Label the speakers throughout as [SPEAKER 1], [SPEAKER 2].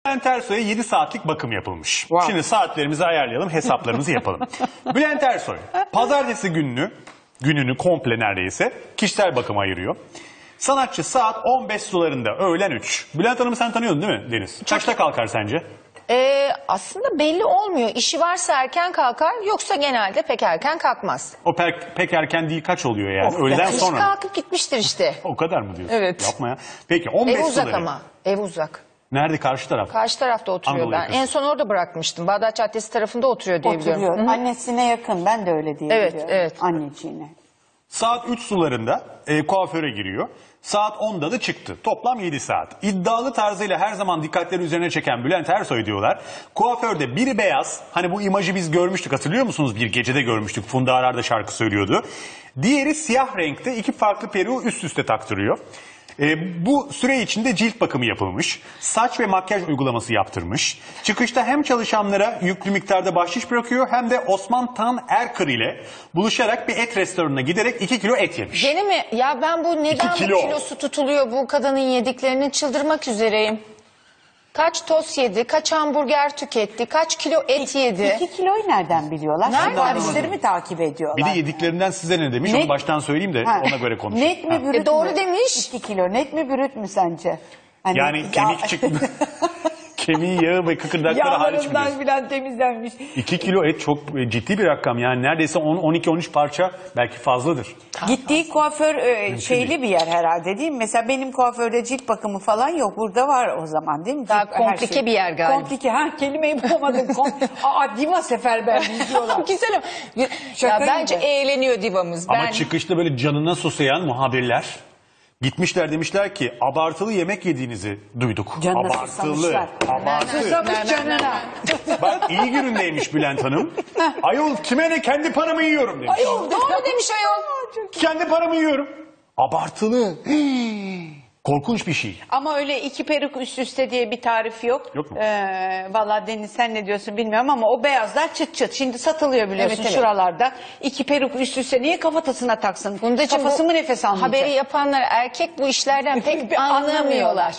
[SPEAKER 1] Bülent Ersoy'a 7 saatlik bakım yapılmış.
[SPEAKER 2] Wow.
[SPEAKER 1] Şimdi saatlerimizi ayarlayalım, hesaplarımızı yapalım. Bülent Ersoy, pazartesi gününü komple neredeyse kişisel bakıma ayırıyor. Sanatçı saat 15 sularında, öğlen 3. Bülent Hanım'ı sen tanıyordun değil mi Deniz? Kaçta kalkar sence?
[SPEAKER 3] Aslında belli olmuyor. İşi varsa erken kalkar, yoksa genelde pek erken kalkmaz.
[SPEAKER 1] O pek erken değil, kaç oluyor yani? Öğleden
[SPEAKER 3] İş
[SPEAKER 1] sonra mı?
[SPEAKER 3] kalkıp gitmiştir işte.
[SPEAKER 1] O kadar mı diyorsun?
[SPEAKER 3] Evet.
[SPEAKER 1] Yapma ya. Peki 15
[SPEAKER 3] Ev uzak
[SPEAKER 1] suları.
[SPEAKER 3] ama. Ev uzak.
[SPEAKER 1] Nerede, karşı taraf?
[SPEAKER 3] Karşı tarafta oturuyor
[SPEAKER 1] Anadolu
[SPEAKER 3] ben.
[SPEAKER 1] yakası.
[SPEAKER 3] En son orada bırakmıştım. Bağdat Caddesi tarafında oturuyor diye biliyorum.
[SPEAKER 2] Oturuyor. Annesine yakın. Ben de öyle diye
[SPEAKER 3] Evet,
[SPEAKER 2] biliyorum.
[SPEAKER 3] evet.
[SPEAKER 2] Anneciğine.
[SPEAKER 1] Saat 3 sularında kuaföre giriyor. Saat 10'da da çıktı. Toplam 7 saat. İddialı tarzıyla her zaman dikkatleri üzerine çeken Bülent Ersoy diyorlar. Kuaförde biri beyaz. Hani bu imajı biz görmüştük, hatırlıyor musunuz? Bir gecede görmüştük. Funda Arar da şarkı söylüyordu. Diğeri siyah renkte, iki farklı peruğu üst üste taktırıyor. Bu süre içinde cilt bakımı yapılmış. Saç ve makyaj uygulaması yaptırmış. Çıkışta hem çalışanlara yüklü miktarda bahşiş bırakıyor, hem de Osman Tan Erkır ile buluşarak bir et restoranına giderek 2 kilo et yemiş.
[SPEAKER 3] Gene mi? Ya ben bu neden bu
[SPEAKER 1] kilo.
[SPEAKER 3] kilosu tutuluyor bu kadının yediklerini, çıldırmak üzereyim. Kaç tost yedi, kaç hamburger tüketti, kaç kilo et yedi.
[SPEAKER 2] 2 kiloyu nereden biliyorlar?
[SPEAKER 3] Nereden
[SPEAKER 2] Servisleri mi takip
[SPEAKER 1] Bir
[SPEAKER 2] ediyorlar?
[SPEAKER 1] de yediklerinden size ne demiş?
[SPEAKER 2] Net-
[SPEAKER 1] Onu baştan söyleyeyim de
[SPEAKER 2] Ha.
[SPEAKER 1] ona göre konuşalım.
[SPEAKER 2] Net mi bürüt
[SPEAKER 3] doğru
[SPEAKER 2] mü?
[SPEAKER 3] demiş.
[SPEAKER 2] 2 kilo net mi bürüt mü sence? Hani
[SPEAKER 1] Yani kemik çıktı. Kemiği, yağı ve kıkırdakları hariç mi diyorsun?
[SPEAKER 2] Yağlarından filan temizlenmiş.
[SPEAKER 1] 2 kilo et çok ciddi bir rakam. Yani neredeyse 10-12-13 parça, belki fazladır.
[SPEAKER 2] Gittiği kuaför şeyli bir yer herhalde değil mi? Mesela benim kuaförde cilt bakımı falan yok. Burada var o zaman değil mi?
[SPEAKER 3] Daha
[SPEAKER 2] Cilt- her
[SPEAKER 3] komplike bir yer galiba.
[SPEAKER 2] Komplike. Ha, kelimeyi bulamadım. Diva seferberliği diyorlar.
[SPEAKER 3] Güzel ama. Ya
[SPEAKER 2] Şaka
[SPEAKER 3] bence
[SPEAKER 2] gibi.
[SPEAKER 3] eğleniyor divamız.
[SPEAKER 1] Ama çıkışta böyle canına susayan muhabirler gitmişler, demişler ki abartılı yemek yediğinizi duyduk.
[SPEAKER 2] Canına
[SPEAKER 1] Abartılı.
[SPEAKER 2] susamışlar.
[SPEAKER 1] Abartı.
[SPEAKER 2] Susamış canına.
[SPEAKER 1] Bak, iyi günündeymiş Bülent Hanım. Ayol kime ne, kendi paramı yiyorum demiş.
[SPEAKER 3] Doğru demiş ayol.
[SPEAKER 1] Kendi paramı yiyorum. Abartılı. Korkunç bir şey.
[SPEAKER 2] Ama öyle 2 peruk üst üste diye bir tarif yok.
[SPEAKER 1] Yok mu?
[SPEAKER 2] Vallahi Deniz sen ne diyorsun bilmiyorum ama o beyazlar çıt çıt. Şimdi satılıyor biliyorsun
[SPEAKER 3] Evet, evet.
[SPEAKER 2] şuralarda. 2 peruk üst üste niye kafatasına taksın?
[SPEAKER 3] Fundacığım,
[SPEAKER 2] Kafası
[SPEAKER 3] bu
[SPEAKER 2] mı nefes almayacak?
[SPEAKER 3] haberi yapanlar erkek bu işlerden pek anlamıyorlar.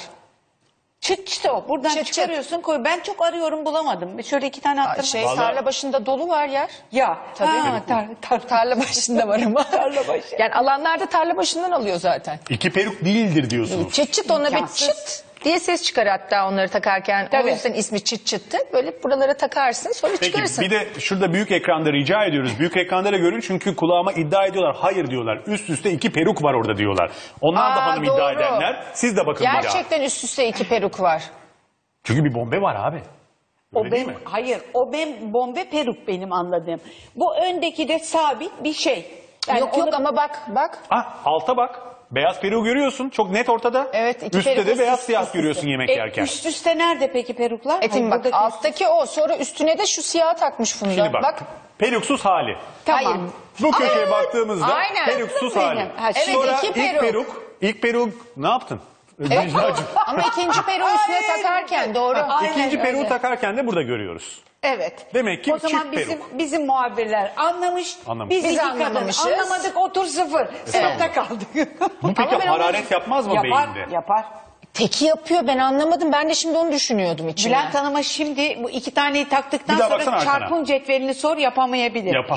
[SPEAKER 2] Çıt çıt o. Buradan
[SPEAKER 3] Çıt çıt.
[SPEAKER 2] çıkarıyorsun koy. Ben çok arıyorum bulamadım. Şöyle 2 tane attım.
[SPEAKER 1] Vallahi-
[SPEAKER 3] Tarla başında dolu var yer.
[SPEAKER 2] Ya.
[SPEAKER 3] Tabii.
[SPEAKER 2] Tarla
[SPEAKER 3] Başında var ama.
[SPEAKER 2] Tarla başı.
[SPEAKER 3] Yani alanlarda tarla başından alıyor zaten.
[SPEAKER 1] 2 peruk değildir diyorsunuz.
[SPEAKER 3] Çıt çıt, ona bir
[SPEAKER 2] İmkansız.
[SPEAKER 3] çıt diye ses çıkar hatta onları takarken.
[SPEAKER 2] Tabii.
[SPEAKER 3] O yüzden ismi çıt çıttı. Böyle buralara takarsın, sonra
[SPEAKER 1] Peki
[SPEAKER 3] çıkarırsın.
[SPEAKER 1] bir de şurada büyük ekranda rica ediyoruz. Büyük ekranda da görün, çünkü kulağıma iddia ediyorlar. Hayır diyorlar. Üst üste 2 peruk var orada diyorlar. Onlar da hanım iddia
[SPEAKER 3] doğru.
[SPEAKER 1] edenler. Siz de bakın bir daha.
[SPEAKER 3] Gerçekten üst üste 2 peruk var.
[SPEAKER 1] Çünkü bir bombe var abi. Öyle değil mi?
[SPEAKER 2] Hayır, o bombe peruk benim anladığım. Bu öndeki de sabit bir şey. Yani
[SPEAKER 3] yok
[SPEAKER 2] onu-
[SPEAKER 3] ama bak.
[SPEAKER 1] Ah, alta bak. Beyaz peruğu görüyorsun. Çok net ortada.
[SPEAKER 3] Evet, 2
[SPEAKER 1] Üstte
[SPEAKER 3] peruk
[SPEAKER 1] de
[SPEAKER 3] üst
[SPEAKER 1] beyaz
[SPEAKER 3] üste,
[SPEAKER 1] siyah
[SPEAKER 3] üst
[SPEAKER 1] görüyorsun yemek yerken.
[SPEAKER 2] Üst üste nerede peki peruklar?
[SPEAKER 3] Etin
[SPEAKER 2] Hayır,
[SPEAKER 3] bak,
[SPEAKER 2] buradaki
[SPEAKER 3] alttaki o, sonra üstüne de şu siyah takmış Funda.
[SPEAKER 1] Şimdi bak. Peruksuz hali.
[SPEAKER 2] Tamam.
[SPEAKER 3] Hayır.
[SPEAKER 1] Bu köşeye baktığımızda
[SPEAKER 3] aynen.
[SPEAKER 1] peruksuz
[SPEAKER 2] Benim.
[SPEAKER 1] hali.
[SPEAKER 2] Ha,
[SPEAKER 3] evet,
[SPEAKER 1] Sonra
[SPEAKER 3] iki peruk.
[SPEAKER 1] ilk peruk ne yaptın?
[SPEAKER 3] Evet,
[SPEAKER 1] Necla'cığım.
[SPEAKER 3] ama ikinci peruğu üstüne
[SPEAKER 2] Aynen.
[SPEAKER 3] takarken doğru.
[SPEAKER 2] Aynen
[SPEAKER 1] İkinci peruğu
[SPEAKER 2] öyle.
[SPEAKER 1] takarken de burada görüyoruz.
[SPEAKER 2] Evet.
[SPEAKER 1] Demek ki
[SPEAKER 2] o zaman
[SPEAKER 1] çift peruk.
[SPEAKER 2] bizim muhabirler anlamış.
[SPEAKER 1] Anlamış.
[SPEAKER 2] Biz
[SPEAKER 3] Biz
[SPEAKER 2] iki kadın
[SPEAKER 3] anlamamışız.
[SPEAKER 2] anlamadık, otur sıfır. Sınıfta kaldık.
[SPEAKER 1] Bu peki
[SPEAKER 3] Ama ben
[SPEAKER 1] hararet yapmaz mı
[SPEAKER 2] yapar,
[SPEAKER 1] beyinde?
[SPEAKER 2] yapar.
[SPEAKER 3] Teki yapıyor, ben anlamadım. Ben de şimdi onu düşünüyordum içimden.
[SPEAKER 2] Bülent Hanım'a şimdi bu 2 taneyi taktıktan
[SPEAKER 1] Bir daha
[SPEAKER 2] sonra
[SPEAKER 1] baksana arkana.
[SPEAKER 2] çarpım cetvelini sor, yapamayabilir.
[SPEAKER 1] Yapar.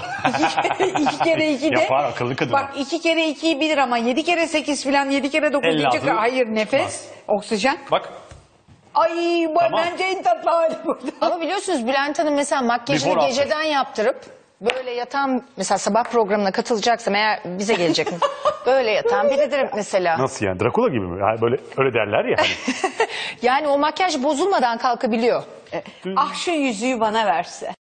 [SPEAKER 2] 2 kere 2 de.
[SPEAKER 1] Yapar, akıllı kadın.
[SPEAKER 2] Bak 2 kere 2'yi bilir ama 7 kere 8 falan, 7 kere 9
[SPEAKER 1] 56
[SPEAKER 2] diyecek. Hayır, nefes, oksijen.
[SPEAKER 1] Bak.
[SPEAKER 2] Ay bu
[SPEAKER 1] Tamam.
[SPEAKER 2] bence en tatlı hali burada.
[SPEAKER 3] Ama biliyorsunuz Bülent Hanım mesela makyajını
[SPEAKER 1] Before after.
[SPEAKER 3] geceden yaptırıp böyle yatan, mesela sabah programına katılacaksam eğer, bize gelecek mi? Böyle yatan biridir mesela.
[SPEAKER 1] Nasıl yani? Drakula gibi mi? Yani böyle öyle derler ya hani.
[SPEAKER 3] Yani o makyaj bozulmadan kalkabiliyor.
[SPEAKER 2] Ah şu yüzüğü bana verse.